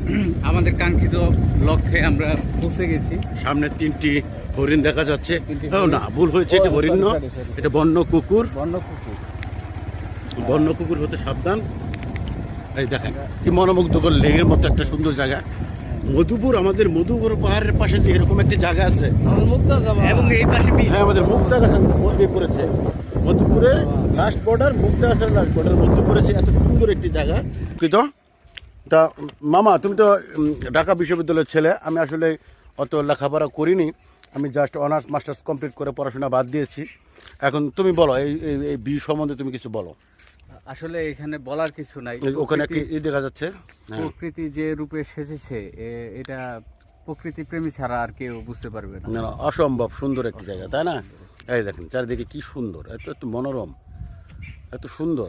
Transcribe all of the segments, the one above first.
আমাদের কাঙ্ক্ষিত লক্ষ্যে আমরা পৌঁছে গেছি। সামনে 3টি হরিণ দেখা যাচ্ছে। না, ভুল হয়েছে, এটা হরিণ না, এটা বন্য কুকুর। বন্য কুকুর হতে সাবধান। এই দেখেন কি মনোমুগ্ধকর লেকের মতো একটা সুন্দর জায়গা। মধুপুর, আমাদের মধুপুর পাহাড়ের পাশে যে এরকম একটি জায়গা আছে, এবং এই পাশে হ্যাঁ আমাদের মুক্তাগাছার মধ্যে পড়েছে। মধুপুরের লাস্ট বর্ডার, মুক্তাগাছার লাস্ট বর্ডার মধ্যে পড়েছে। এত সুন্দর একটি জায়গা। কিন্তু তা মামা, তুমি তো ঢাকা বিশ্ববিদ্যালয়ের ছেলে। আমি আসলে অত লেখাপড়া করিনি, আমি জাস্ট অনার্স মাস্টার্স কমপ্লিট করে পড়াশোনা বাদ দিয়েছি। এখন তুমি বলো, এই বি সম্বন্ধে তুমি কিছু বলো। আসলে এখানে বলার কিছু নাই। ওখানে কি দেখা যাচ্ছে, প্রকৃতি যে রূপে সেজেছে, এটা প্রকৃতি প্রেমী ছাড়া আর কেউ বুঝতে পারবে না। না, অসম্ভব সুন্দর একটি জায়গা, তাই না? এই দেখেন চারিদিকে কি সুন্দর, এত মনোরম, এত সুন্দর,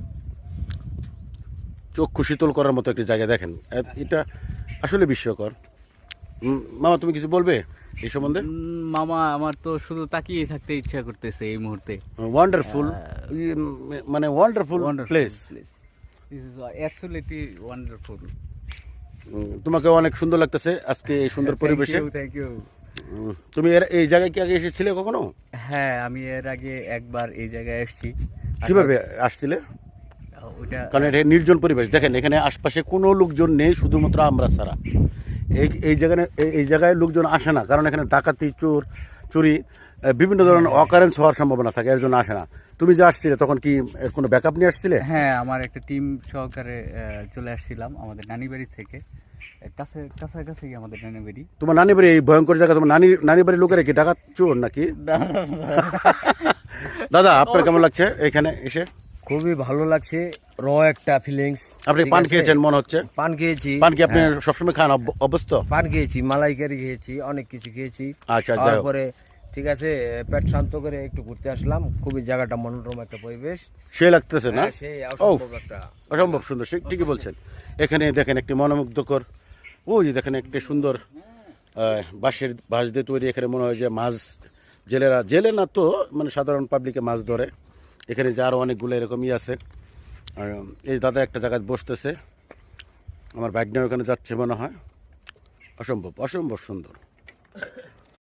চক্ষু শীতল করার মতো একটি জায়গা। দেখেন এটা আসলে বিস্ময়কর। মামা, তুমি কিছু বলবে এই সম্বন্ধে? মামা, আমার তো শুধু তাকিয়ে থাকতে ইচ্ছা করতেছে এই মুহূর্তে। ওয়ান্ডারফুল, মানে wonderful place. This is absolutely wonderful. তোমাকে অনেক সুন্দর লাগতেছে আজকে এই সুন্দর পরিবেশে। Thank you. তুমি এই জায়গায় কি আগে এসেছিলে কখনো? হ্যাঁ, আমি এর আগে একবার এই জায়গায় এসেছি। কিভাবে আসছিলে? কারণ এটা নির্জন পরিবেশ। দেখেন এখানে আশপাশে কোনো লোকজন নেই, শুধুমাত্র আমরা ছাড়া। এই জায়গায় লোকজন আসে না, কারণ এখানে ডাকাতি, চুরি, বিভিন্ন ধরনের অকারেন্স হওয়ার সম্ভাবনা থাকে, এর জন্য আসে না। তুমি যে আসছিলে তখন কি কোনো ব্যাকআপ নিয়ে আসছিলে? হ্যাঁ, আমার একটা টিম সহকারে চলে আসছিলাম আমাদের নানি বাড়ি থেকে। কাছাকাছি আমাদের নানি বাড়ি। তোমার নানি বাড়ি এই ভয়ঙ্কর জায়গা? তোমার নানি বাড়ির লোকেরা কি ডাকাত, চোর নাকি? দাদা, আপনার কেমন লাগছে এখানে এসে? খুবই ভালো লাগছে, একটা ফিলিংস। আপনি পান খেয়েছেন মনে হচ্ছে? পান খেয়েছি। পান কি আপনি সবসময় খান অভ্যস্ত? পান খেয়েছি, মালাইকারি খেয়েছি, অনেক কিছু খেয়েছি। আচ্ছা, তারপরে ঠিক আছে, পেট শান্ত করে একটু ঘুরতে আসলাম। খুবই জায়গাটা মনোরম একটা পরিবেশ, সে লাগতেছে না? সেই অসম্ভব একটা, অসম্ভব সুন্দর, ঠিকই বলছেন। এখানে দেখেন একটি মনোমুগ্ধকর, ওই যে দেখেন একটি সুন্দর বাঁশ দিয়ে তৈরি। এখানে মনে হয় যে মাছ, জেলে না তো, মানে সাধারণ পাবলিকে মাছ ধরে। এখানে যে আরও অনেকগুলো এরকমই আছে। এই দাদা একটা জায়গায় বসতেছে, আমার বাইক নিয়ে ওখানে যাচ্ছে মনে হয়। অসম্ভব সুন্দর।